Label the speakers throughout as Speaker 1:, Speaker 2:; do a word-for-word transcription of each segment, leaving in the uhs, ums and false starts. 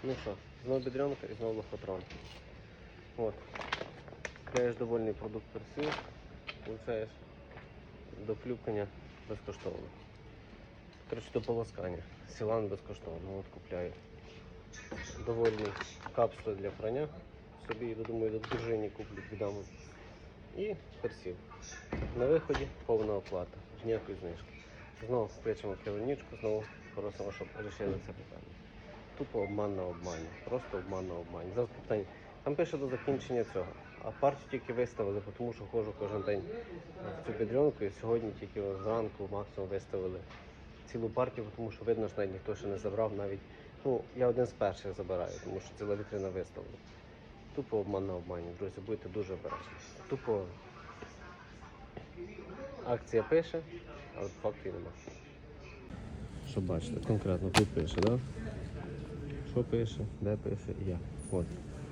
Speaker 1: Ну що, знову бедренка і знову лохотрон. От. Купляєш довольний продукт персів, получаєш до плюкання безкоштовно. Коротше, до полоскання. Сілан безкоштовно. От купляю довольні капсули для прання. Собі, думаю, до дружині куплю, віддам. І персів. На виході повна оплата, ніякої знижки. Знову кличемо керівничку, знову просимо, щоб вирішили це питання. Тупо обман на обмані, просто обман на обмані. Завтра питання. Там пише до закінчення цього, а партію тільки виставили, тому що ходжу кожен день в цю бедренку і сьогодні тільки зранку максимум виставили цілу партію, тому що видно, що навіть ніхто ще не забрав, навіть, ну, я один з перших забираю, тому що ціла вітрина виставлена. Тупо обман на обмані, друзі, будьте дуже обережні. Тупо акція пише, але фактів нема. Що бачите, конкретно тут пише, так? Да? Що пише, де пише і як. От.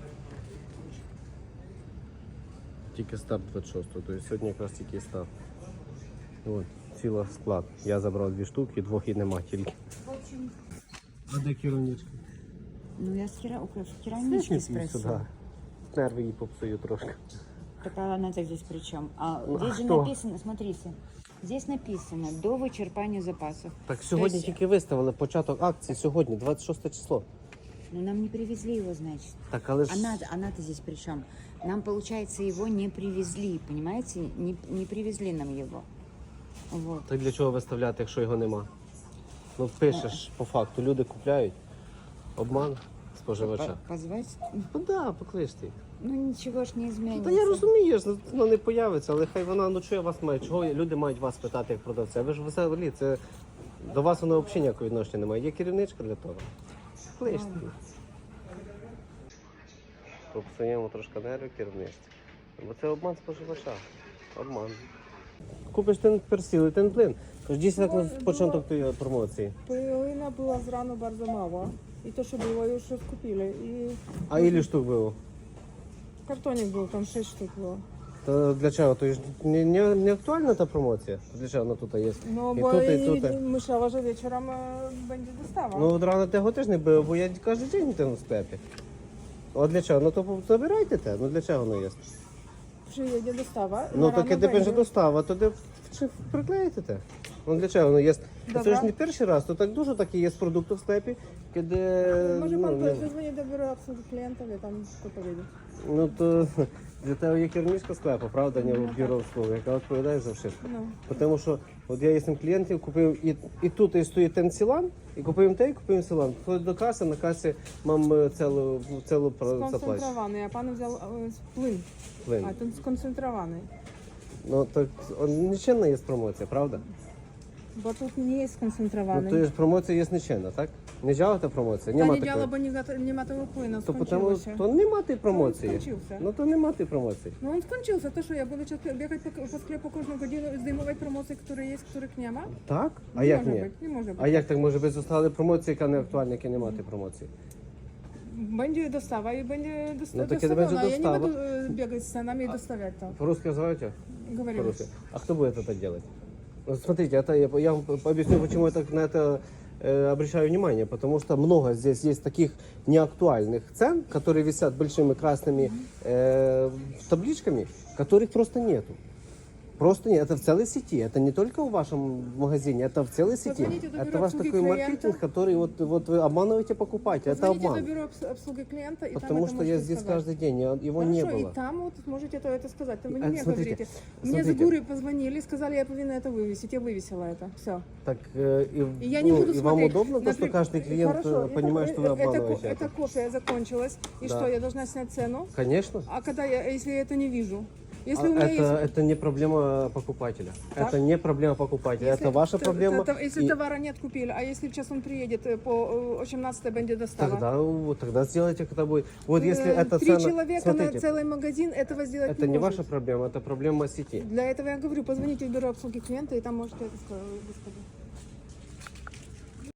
Speaker 1: Тільки старт двадцять шостого, тобто сьогодні якраз тільки старт. От, ціла склад. Я забрав дві штуки, двох і нема тільки. А де керівничка?
Speaker 2: Ну я с керамички спросила.
Speaker 1: Нерви їй попсую трошки.
Speaker 2: Так а она-то здесь при чем? А
Speaker 1: Ну,
Speaker 2: здесь
Speaker 1: а
Speaker 2: же
Speaker 1: кто?
Speaker 2: написано, смотрите, здесь написано до вычерпания запасов.
Speaker 1: Так сьогодні
Speaker 2: есть-
Speaker 1: тільки виставили початок акції, сьогодні, двадцять шосте число.
Speaker 2: Но нам не привезли его, значит.
Speaker 1: Так, але ж...
Speaker 2: Она, она-то здесь при чем? Нам, получается, его не привезли, понимаете? Не, не привезли нам его. Вот.
Speaker 1: Так для чого виставляти, якщо його нема? Ну пишеш по факту, люди купляють. Обман споживача.
Speaker 2: По- Позвать?
Speaker 1: Ну да, покличте їх.
Speaker 2: Ну ничего ж не изменится.
Speaker 1: Та я розумію, що воно не появиться, але хай вона, ну чого вас має, чого люди мають вас питати як продавця? Ви ж взагалі, це до вас воно взагалі ніякого відношення немає. Є керівничка для того. Кличте їх. Попсуємо трошки нерви керівництві. Бо це обман споживача. Обман. Купиш ten персіл і ten плин. Тож дійсно так на початок тієї промоції.
Speaker 3: Пилина була зрано bardzo мало. І то, що було, już скупили. І
Speaker 1: А ілі штук було?
Speaker 3: картонник був, там шість штук було.
Speaker 1: То для чого? То ж не, не, не актуальна та промоція? Для чого вона тут є?
Speaker 3: Ну,
Speaker 1: І
Speaker 3: бо
Speaker 1: тут, і
Speaker 3: я
Speaker 1: тут.
Speaker 3: не myślała, że wieczorem e, będzie dostawa.
Speaker 1: Ну, от рано того теж не було, бо я кожен день там в склепі. От для чого? Ну то забирайте те, ну для чого воно є?
Speaker 3: Przyjedzie dostawa.
Speaker 1: Ну
Speaker 3: na
Speaker 1: так
Speaker 3: rano
Speaker 1: і тебе вже
Speaker 3: będzie.
Speaker 1: достава, то де чи приклеїте те? Ну для чого воно є? Це
Speaker 3: Добре.
Speaker 1: ж не перший раз, то так дуже такі є продукти в склепі, де...
Speaker 3: Może
Speaker 1: ну,
Speaker 3: pan
Speaker 1: не-
Speaker 3: zadzwoni do biura obsługi klientów i tam wszystko powiedzieć.
Speaker 1: Ну то для тебе є керівничка склепу, правда, не бюро обслуги, яка відповідає за все.
Speaker 3: No.
Speaker 1: Тому що от я єсмь клієнтів, купив і, і тут і стоїть ten сілан, і купив те, і купив сілан. Входить до каси, на касі мам е, цілу, цілу про- заплачу.
Speaker 3: Skoncentrowany, a pan wziął e, plyn.
Speaker 1: Плин.
Speaker 3: A ten skoncentrowany.
Speaker 1: Ну так он, ніченна є промоція, правда?
Speaker 3: Bo tu nie jest
Speaker 1: Ну
Speaker 3: skoncentrowany.
Speaker 1: то ж промоція є ніченна, так? Не działa та промоція?
Speaker 3: Ta
Speaker 1: Нема
Speaker 3: nie działa,
Speaker 1: такої.
Speaker 3: bo nie, za- nie ma tego płynu,
Speaker 1: То,
Speaker 3: skończyło
Speaker 1: потому,
Speaker 3: się.
Speaker 1: то нема тієї промоції.
Speaker 3: skończył
Speaker 1: Ну то нема тієї промоції.
Speaker 3: No on skończył się, to że ja będę cię- biegać po, po sklepu każdą godzinę, zdejmować promocje, które jest, których nie ma?
Speaker 1: Так? А
Speaker 3: nie
Speaker 1: як
Speaker 3: może
Speaker 1: ні?
Speaker 3: być, nie może być.
Speaker 1: А як так може бути zostali промоції, яка не актуальна, яка нема тієї промоції?
Speaker 3: Będzie dostawa i będzie dosta-
Speaker 1: No to kiedy będzie
Speaker 3: dostawiona. Ja nie
Speaker 1: dostawa?
Speaker 3: będę e, biegać z cenami i dostawiać to.
Speaker 1: По-русски называете?
Speaker 3: Говорю.
Speaker 1: По-русски. А кто будет это делать? Вот смотрите, это я, я вам объясню, почему я так на это э, обращаю внимание. Потому что много здесь есть таких неактуальных цен, которые висят большими красными э, табличками, которых просто нету. Просто нет, это в целой сети, это не только в вашем магазине, это в целой сети.
Speaker 3: Позвоните до бюро
Speaker 1: Это ваш
Speaker 3: обслуги
Speaker 1: такой
Speaker 3: клиента.
Speaker 1: маркетинг, который вот, вот вы обманываете покупателя, это
Speaker 3: Звоните
Speaker 1: обман.
Speaker 3: до бюро обс- обслуги клиента и
Speaker 1: Потому
Speaker 3: там
Speaker 1: что
Speaker 3: это
Speaker 1: я
Speaker 3: можете
Speaker 1: здесь
Speaker 3: сказать.
Speaker 1: каждый день, я- его
Speaker 3: Хорошо,
Speaker 1: не было.
Speaker 3: и там вот можете это, это сказать. Там вы не
Speaker 1: А,
Speaker 3: мне
Speaker 1: смотрите,
Speaker 3: говорите. Мне с
Speaker 1: смотрите.
Speaker 3: Гуры позвонили, сказали, я повинна это вывесить. Я вывесила это. Все.
Speaker 1: Так э, и,
Speaker 3: И я не
Speaker 1: ну,
Speaker 3: буду
Speaker 1: и вам
Speaker 3: смотреть.
Speaker 1: удобно, то, что
Speaker 3: Например,
Speaker 1: каждый клиент
Speaker 3: хорошо,
Speaker 1: э, понимает,
Speaker 3: это,
Speaker 1: что вы
Speaker 3: э, это,
Speaker 1: обманываете?
Speaker 3: ко- это кофе закончилось. И
Speaker 1: Да.
Speaker 3: что, я должна снять цену?
Speaker 1: Конечно.
Speaker 3: А когда я, если я это не вижу? Если
Speaker 1: А
Speaker 3: у меня
Speaker 1: это,
Speaker 3: есть...
Speaker 1: это не проблема покупателя.
Speaker 3: Так.
Speaker 1: Это не проблема покупателя.
Speaker 3: Если
Speaker 1: это ваша
Speaker 3: т-
Speaker 1: проблема.
Speaker 3: т- т- Если
Speaker 1: и
Speaker 3: товара нет купили, а если сейчас он приедет э, по э, восемнадцатой będzie достава?
Speaker 1: тогда, вот, тогда сделайте, когда будет. Вот если
Speaker 3: Э,
Speaker 1: это
Speaker 3: Три
Speaker 1: цена...
Speaker 3: человека
Speaker 1: Смотрите,
Speaker 3: на целый магазин этого сделать
Speaker 1: это не
Speaker 3: может.
Speaker 1: ваша проблема, это проблема сети.
Speaker 3: Для этого я говорю, позвоните в бюро обслуги клиента, и там можете это сказать, господи.